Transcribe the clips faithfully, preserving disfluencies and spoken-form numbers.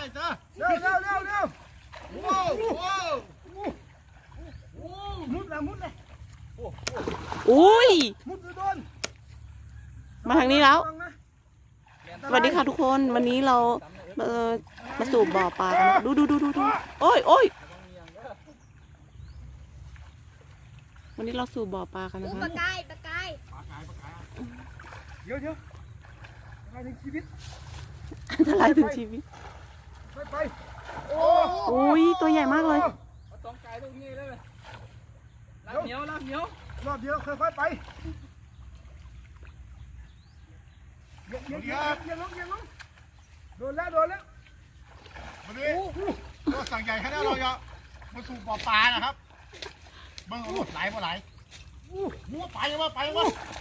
เจอเร็วเร็วเร็วเร็วโว้วโว้วมุดละมุดเลยอุ้ยมุดโดนมาทางนี้แล้ว สวัสดีค่ะทุกคนวันนี้เราเอ่อมาสู่บ่อปลากันดูดูดูดูดูโอ้ยโอ้ยวันนี้เราสู่บ่อปลากันนะปคะลากายปลากายเดี๋ยวเดี๋ยวไปถึงชีวิตอันตรายถึงชีวิตไปไปโอ้อุ้ยตัวใหญ่มากเลยต้องไก่ตรงนี้เลยลากเหนียวลากเหนียวรอบเดียวค่อยๆไปเย็นเย็นเย็นเย็นลงเย็นลงโดนแล้วโดนแล้ววันนี้ก็สั่งใหญ่แค่นี้เราจะมาสู่บ่อปลานะครับเบิ้งเอาหมดไหลบ่ไหลมัวไปวะไปวะ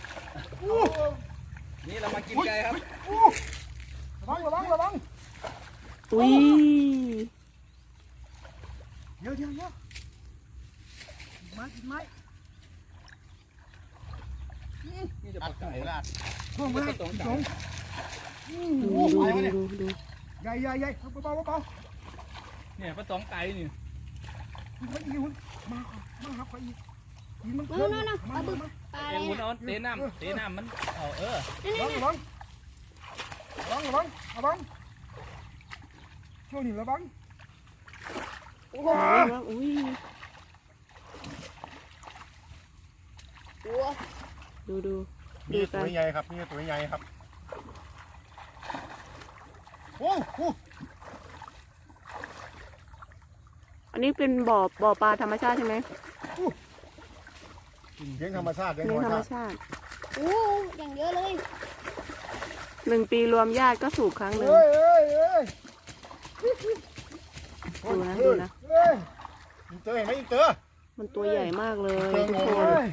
นี่เรามากินไก่ครับระวังระวังระวังอุ้ยเดี๋ยวเดี๋ยวเดี๋ยวไม้ไม้นี่จะปตัลาดไก่หูละพวกมันสองดูดูดูดูดูใหญ่ใหญ่ใหญ่เบาเบาเบาเนี่ยปลาตองไก่นี่มันอีหุ่นมามาครับอีอีมันนู่นนู่นปลาบึกปลาอะไรเอ็งหุ่นน่ะเอาเตะน้ำเตะน้ำมันเอาเออระวังระวังระวังระวังระวังช่วงนี้ระวังโอ้ยอุ้ยดูดูมีตัวใหญ่ครับมีตัวใหญ่ครับโอ้โหอันนี้เป็นบ่อบ่อปลาธรรมชาติใช่ไหมเลี้ยงธรรมชาติเลี้ยงเลี้ยงธรธรรมรมชาติชาติโอ้อย่างเยอะเลยหนึ่งปีรวมญาติก็สูบครั้งหนึ่งเฮ้ยเฮ้ยเฮ้ยดูนะดูนะเฮ้ยอินเตอร์เห็นไหมอินเตอร์มันตัวใหญ่มากเลยทุกคนเฮ้ย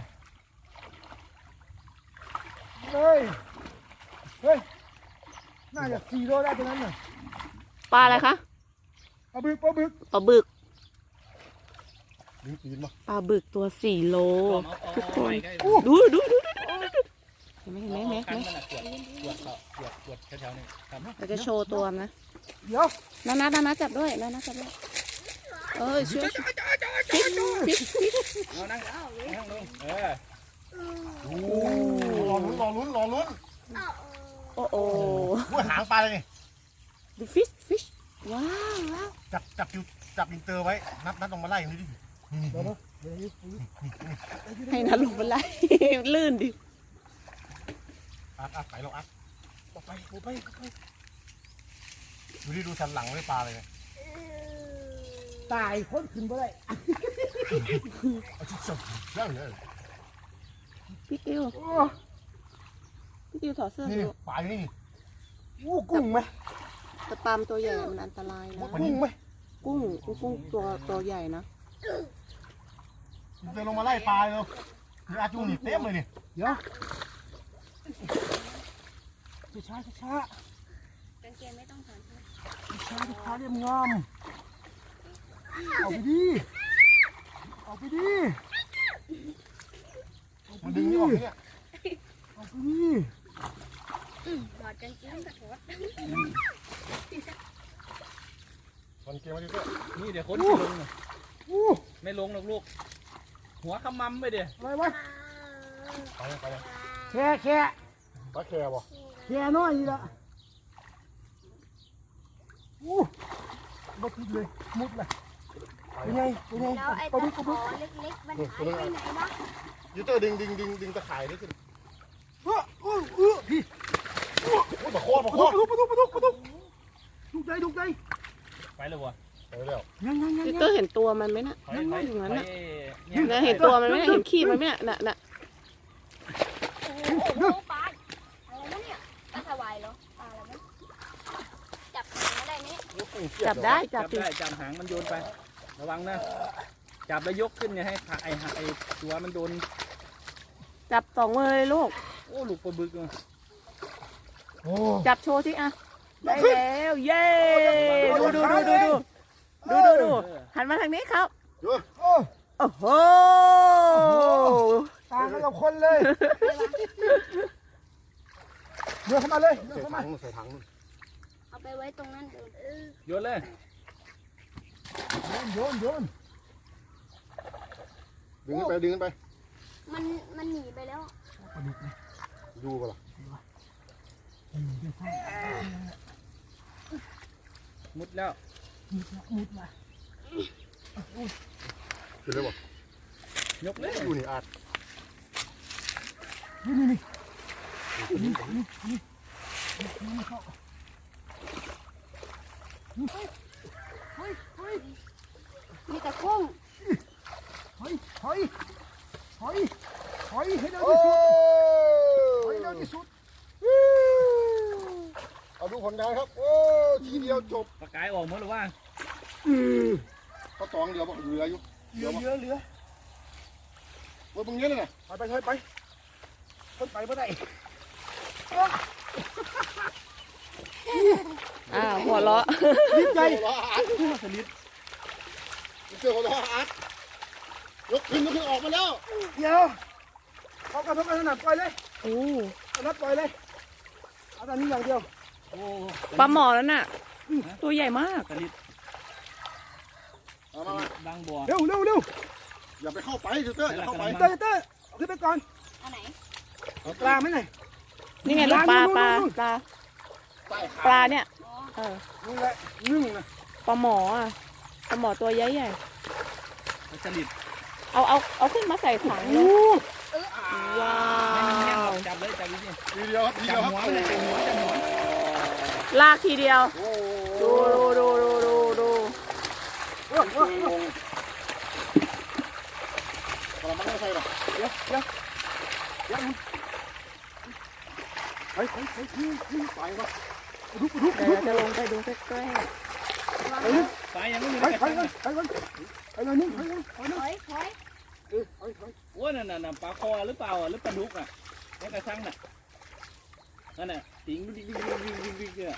เฮ้ยเฮ้ยน่าจะสี่โลได้ตรงนั้นน่ะปลาอะไรคะปลาบึกปลาบึกปลาบึกดึงปีนมาปลาบึกตัวสี่โล ทุกคนไก่ดูดูดูดูดูเห็นไหมเห็นไหมเห็นไหมคันเห็นไหมมันอะปวดปวดเขาปวดปวดแถวๆนี้ครับเราจะโชว์ตัวนะเดี๋ยวนานานานาจับด้วยนานาจับด้วยเอ้ยช่วยฟิกฟิกฟิกเอานั่งนั่งลงเออโอ้รอลุ้นรอลุ้นรอลุ้นโอ้โอ้ว่าหางปลาเลยนี่ดูฟิชฟิชว้าวว้าวจับจับอยู่จับอินเตอร์ไว้นัดนัดลงมาไล่ตรงนี้ดินี่นี่เดี๋ยวนี่นะเดี๋ยวนี้ให้นัดลงมาไล่ ลื่นดิอัดอัดไปลงอัดออกไปออกไปออกไปดูดิดูสันหลังไม่ปลาเลยตายคนขึ้นไปได้เอาชิดจับเรื่องเลยพี่ติวโอ้พี่ติวถอดเสื้อนี่ดูปลาอยู่นี่นี่โหกุ้งไหมแต่ปลามตัวใหญ่มันอันตรายนะกุ้งไหมกุ้งกุ้งตัวตัวใหญ่นะอินเตอร์ลงมาไล่ปลาเลยคืออาจูนี่เต็มเลยนี่เดี๋ยวช้าช้าช้ากางเกงไม่ต้องถอดใช่ไหมช้าช้าเรียมงามเอาไปดิเอาไปดิมันดึงนี่ออกนี่เนี่ยเอาไปดิถอดกางเกงกับถอดมันเกมมาดิเพื่อนนี่เดี๋ยวคนจะลงน่ะอู้ไม่ลงหรอกลูกหัวขมำไปเดี๋ยวอะไรวะไปเลยไปเลยแค่แค่ปลาแคร์บ่แค่น้อยนี่ละอู้บดเลยมุดเลยเป็นไงเป็นไงแล้วไอ้ปลาตะบึกปขลาบึอก เล็กๆมันหายไปไหนวะยูเตอร์ดึงดึงดึงดึงตะข่ายนี่ขึ้นเออเออเออพี่โอ้ยปลาโคตรปลาปโคลาตรดุกปลาดุกปลาดุกปลาดุกดุกใจดุกใจไปเลยวะไปแล้วยังยังยังพี่ยัเตอง ร์เห็นตัวมันไหมน่ะไปนั่งไปอยู่งั้นไปน่ะเนี่ยนะเห็นตัวมันไหมน่ะเห็นขี้มันไหมน่ะน่ะน่ะโอ้โหปลาอะไรนะเนี่ยปลาสวายเหรอปลาอะไรนะจับหางไม่ได้ไหมเนี่ยจับได้จัจับบ ดิได้จับหางมันโยนไป ระวังนะจับแล้วยกขึ้นอย่าให้ขาไอ้ไอ้ตัวมันโดนจับสองมือเลยลูกโอ้ลูกปลาบึกเลยโอ้จับโชว์สิอ่ะได้แล้วเย้ดูดูดูดูดูดูดูดูหันมาทางนี้ครับยูโอ้โอ้โหตามกันกับคนเลยเดินเข้ามาเลยเดินใส่เข้าถัมางใส่ถังเอาไปไว้ตรงนั้นเดิมโยนเลยโยนโยนดึงขึ้นไปดึงขึ้นไปมันมันหนีไปแล้วปลาดุกนะดูก่อนล่ะอืมเดี๋ยวข้างมุดแล้วมุดละมุดละขึ้นเลยบ่ยกเลยดูนี่อาดนี่นี่นี่นี่นี่นี่นี่เข้าเฮ้ยเฮ้ยเฮ้ยมีแต่กุ้งเฮ้ยเฮ้ยเฮ้ยเฮ้ยให้เร็วโอ้ที่สุดเฮ้ยเร็วที่สุดเอาดูผลงานครับโอ้ทีเดียวจบปลากายออกหมดหรือว่าเขาตองเดียวบอกเหลืออยู่เหลือเหลือเหลือว่ามึงเนี้ยเลยนะไปไปไปไปคนไปไม่ได้อ้าวหัวเราะรีบใจหัวเราะอาร์ตสลิดเจอหัวเราะอาร์ตยกขึ้นยกขึ้นออกมาแล้วเดี๋ยวเขากระทบกันขนาดปล่อยเลยโอ้เอานัดปล่อยเลยเอาตอนนี้อย่างเดียวโอ้ปลาหมอแล้วน่ะ ตัวใหญ่มากสลิดเอามามาดังบัวเร็วเร็วเร็วอย่าไปเข้าไปเตอร์อย่าเข้าไปเต้เต้เอาขึ้นไปก่อนอันไหนเอาปลาไหมหน่อยนี่ไงลูกปลาปลาปลาใต้ขาปลาเนี่ยอ๋อเออนี่แหละนึ่งนะปลาหมออ่ะปลาหมอตัวใหญ่ใหญ่สลิดเอาเอาเอาขึ้นมาใส่ถังเลโอ้ยว้าให้มันแห้งวจับเลยจับดิทีเดียวครับทีเดีจัยบวครับหัวเลยจับหัวจับหัวลากทีเดียวโอ้ดูดูดูดูดูดูโหโอ้โหงงกระมังไม่ใช่หรอเดี๋ยวเดี๋ยวเดี๋ยวไปไปไปทิ้งทิ้งไปวะรุกรุกเดี๋ยวรุกเราจะลงไปดูใกล้ไปเลยปลายังไม่มีไปเลยไปเลยไปเลยไปเลยนี่ไปเลยไปเลยถอยถอยเออไปไปโอ้นั่นน่ะปลาคอหรือเปล่าหรือปลาดุกอ่ะนี่กระชังน่ะนั่นน่ะติ๋งวิ่งวิ่งวิ่งวิ่งวิ่งวิ่งเนี่ย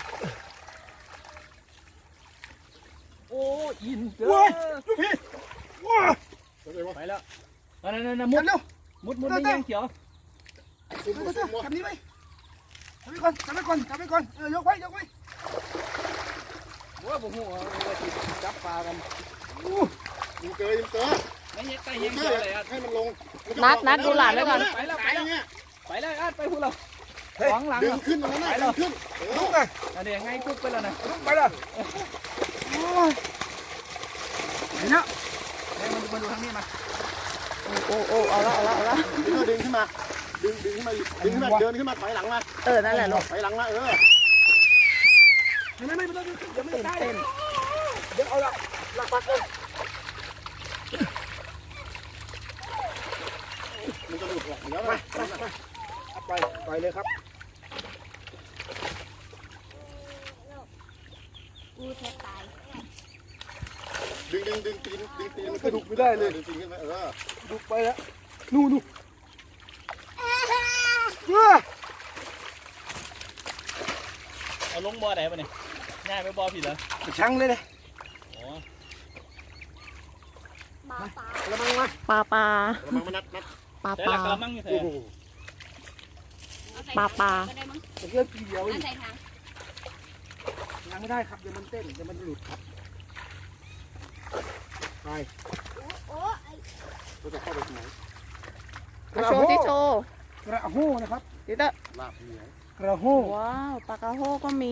โอ้อินเจอว้ายลูกพี่ว้าไปแล้วนั่นนั่นนั่นมุเร็ดวมุดมุดไม่ยังเขียวซุ่มเร็วซุ่มจับนี้ไหมจับไปก่อนจับไปก่อนจับไปก่อนเออยกไว้ยกไว้โอ้ผมหัวจับปลากันยิงเกยยิงเกยไม่ยังใกล้ยิยัง งเกเขียวย เลยอ่ะให้มันลงนัดนัดดูหลานไว้ก่อนไปแล้วไปแล้วเนี่ยไปแล้วอ่ะไปพูดเราขวางหลังดึงขึ้นตรงนั้นนะดึงขึ้นลุกเลยอันนี้ไงกุ๊กไปแล้วนะลุกไปเลยโอ้ยเห็นแล้วให้มันมาดูทางนี้มาโอ้โอ้โอ้เอาละเอาละเอาละดึงขึ้นมาดึงดึงขึ้นมาดึงขึ้นมาเดินขึ้นมาถอยหลังมาเออนั่นแหละลูกถอยหลังมาเออไม่ไม่ไม่ไม่ต้องเดี๋ยวไม่ตื่นได้เต้นเดี๋ยวเอาละหลักปักเลยมันจะหลุดออกเดี๋ยวไปนะไปไปไปเลยครับกูแทบตายดึงดึงดึงตีนดึงตีนมันกระดูกไม่ได้เลยดึงตีนขึ้นมาเออลุกไปแล้วนู่นนู่นเออเอาลงบ่อไหนปะเนี่ยง่ายไปบ่อผิดเหรอช่างเลยเลยอ๋อหมาป่าระมังมาปลาปลาระวังมันนัดนัดปลาแต่ปละลากระมังอยู่แถโอ้วโหเอาใส่ปลาปลาก็ได้มั้งเพื่อนปีเดียวเอาใส่ถังยังไม่ได้ครับเดี๋ยวมันเต้นเดี๋ยวมันหลุดครับไปโอ้โอ้ไอ้เราจะเข้าไปที่ไหนกระโชโหว์ที่โชว์กระโหนะครับดิเตอร์ลาบเหนียวกระโหว้าวปลากระโฮก็มี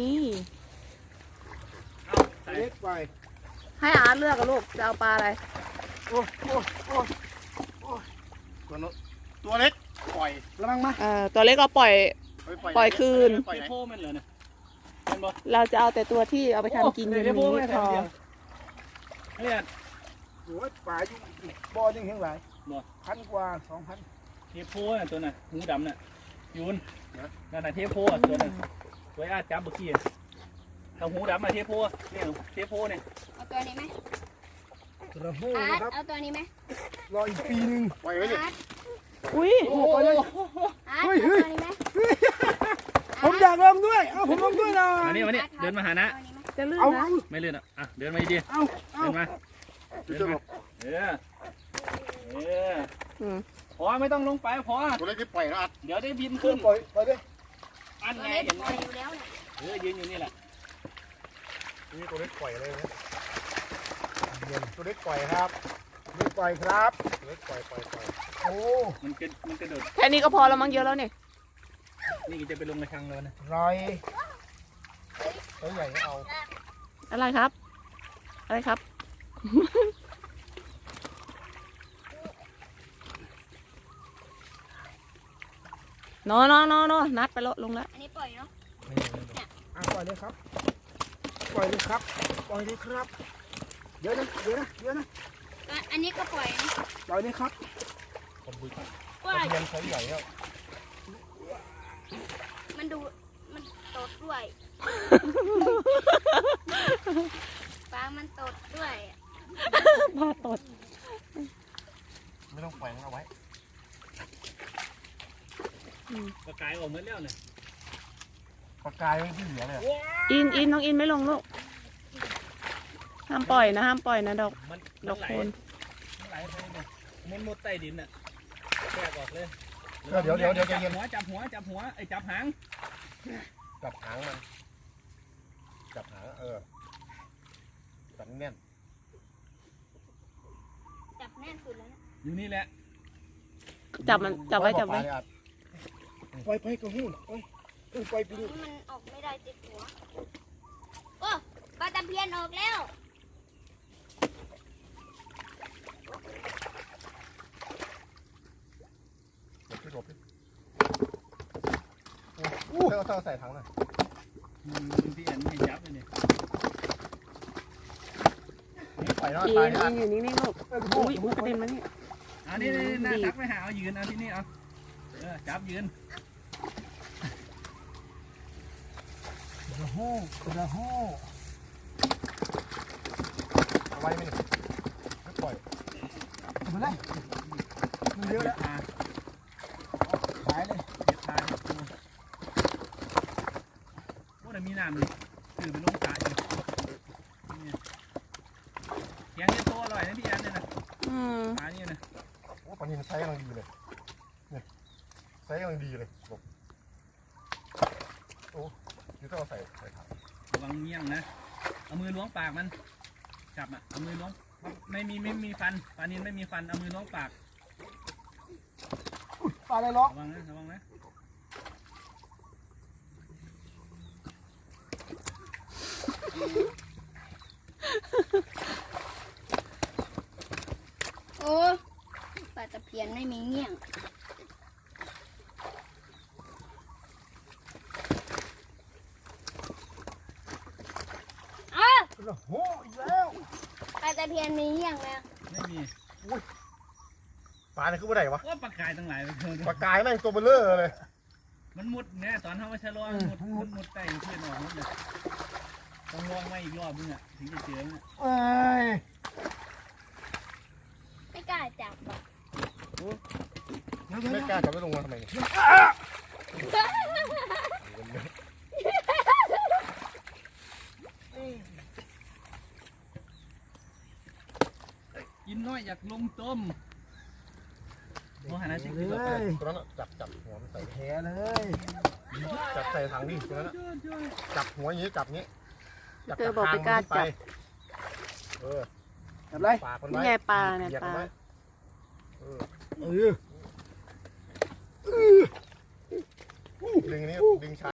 เล็กไปให้อาร์ตเลือกกับลูกจะเอาปลาอะไรโอ้โอ้โอ้ตัวน้ตัวเล็กปล่อยระมังมาเอ่อตัวเล็กเราปล่อย ปล่อยคืนปล่อยเทไหนโพมันเหรอเนี่ยเป็นบ่เราจะเอาแต่ตัวที่เอาไปทำกินโอ้กันเทโพนี้ไม่พแถอวเดียวเนี่ยโอ้ยป่าอยู่บ่อยังเห็นหลายพันกว่าสองพันเทโพน่ะตัวน่ะหูดำน่ะยูนนั่นน่ะเทโพอ่ะตัวน่ะตัวอาจับเมื่อกี้ถ้าหูดำน่ะเทโพเนี่ยเทโพเนี่ยเอาตัวนี้ไหมกระโหอาร์นะตครับเอาตัวนี้ไหมรออีกปีหนึ่งปล่อยไว้ดิอาร์ตอุ้ยโอ้ไปเลยอาร์ตเฮ้เอายตัวนี้ไหมผมอยากลองด้วย เอาผมลองด้วยหนะมานี่มานี่เดินมาหานะเอาอันนี้ไหมจะลื่นเอานะเอาไม่เลื่อนอ่ะอ่ะเดินมาดีเอาๆเอาเดินมาจะเดินหลมาบเออเอออืมพอไม่ต้องลงไปพอตัวเล็กที่ปล่อยนะอัดเดี๋ยวได้บินขึ้ขึ้นนปล่อยปล่อยดิอันตัวไงเล็กเห็นไหปมล่อยอยู่แล้วเนี่ยเออยืนอยู่นี่แหละนี่ตัวเล็กปล่อยเลยนะตัวเล็กปล่อยครับไม่ปล่อยครับตัวเล็กปล่อยปล่อยปล่อยโอ้มันกระมันกระโดดแค่นี้ก็พอแล้วมั้งเยอะแล้วเนี่ยนี่ก็จะไปลงกระชังแล้วนะรอยตัวใหญ่ไม่เอาอะไรครับ อะไรครับ โนโนโนโนนัดไปแล้วลงแล้วอันนี้ปล่อยเนาะอ่ะปล่อยเลยครับ ปล่อยเลยครับ ปล่อยเลยครับ เยอะนะเยอะนะเยอะนะก็อันนี้ก็ปล่อยนะปล่อยเลยครับผมบุยปล่อยเทียนเขาใหญ่แล้วมันดูมันตดด้วยปลามันตดด้วยพาตดไม่ต้องแขวนเอาไว้ปลากายออกหมดแล้วเนี่ยปลากายไม่ที่เหลือเลยอินอินน้องอินไม่ลงลูก ห้ามปล่อยนะห้ามปล่อยนะดอกมันดอกไหลโคนมันไหลไปเนี่ยมันมุดใต้ดินน่ะแทรกออกเลยเดี๋ยวเดี๋ยวเดี๋ยวจับเย็นหัวจับหัวจับหัวไอ้จับหางจับหางมันจับหางเออจับแน่นจับแน่นสุดแล้วนะอยู่นี่แหละจับมันจับไว้จับไว้ปล่อยไปกระหู้ปล่อยเออปล่อยไปดิมันออกไม่ได้ติดหัวโอ้ปลาตะเพียนออกแล้วพี่หลบพี่อู้เธอเธอใส่ถังหน่อยอืมพี่อันไม่จับเลยเนี่ยนี่ปล่อยแล้วอินตายอินอยู่นิ่งๆลูกเออกระหู้อุ้ยอุ้ยกระเด็นมานี่เอานี่นี่หน้าดีตักไปหาเอายืนเอาที่นี่เอาเออจับยืนกระหู้กระหู้เอาไว้ไม่ไม่ปล่อยเอาไปเลยมันเยอะแล้วพาขายเลยเด็ดพาเด็ดตัวโอ้แต่มีน้ำนี่ถือไปลงสระอยู่เนี่ยเสียงเนี่ยตัวอร่อยนะพี่อันเนี่ยนะอืมปลาเนี่ยนะโอ้ปลานินไซส์กำลังดีเลยเนี่ยไซส์กำลังดีเลยหลบโอ้ยูต้องเอาใส่ใส่ถังระวังเงี้ยงนะเอามือล้วงปากมันจับอ่ะเอามือล้วงไม่มีไม่มีฟันปลานินไม่มีฟันเอามือล้วงปากปลาอะไรล็อกระวังนะระวังนะโอ้ปลาตะเพียนไม่มีเงี้ยงอ้าวกระหู้อีกแล้วปลาตะเพียนมีเงี้ยงแล้วไม่มีปลาเนี่ยคือเมื่อไหร่วะว่าปลากายตั้งหลายไปเถปลาอะกายแม่งตัวเบลเลอร์เลยมันมุดเนี่ยตอนเขามาชะลอมันมุดมันมุดใต้เพื่อนออกมุดเลยต้องลองมาอีกรอบนึงอ่ะถึงจะเจอเนี่ยเอ้ยไม่กล้าจับอ่ะเดี๋ยวเดี๋ยวไม่เดี๋ยวกล้าจับไม่ลงมาทำไมเนี่ยกินน้อยอยากลงต้มโอ้หันนะสิเลกินต่อไปยตัวนั้นอะจับจับหัวมันใส่แผลเลยจับใส่ถังดิตัวนั้นอะจับหัวอย่างนี้จับอย่างนี้จับเธอบอกไม่กล้าจับเออจับไรปากมันนี่ไว้ไงปลาเนี่ยเหยียบปมัลาไว้เออเออดึงอันนี้ดึงช้า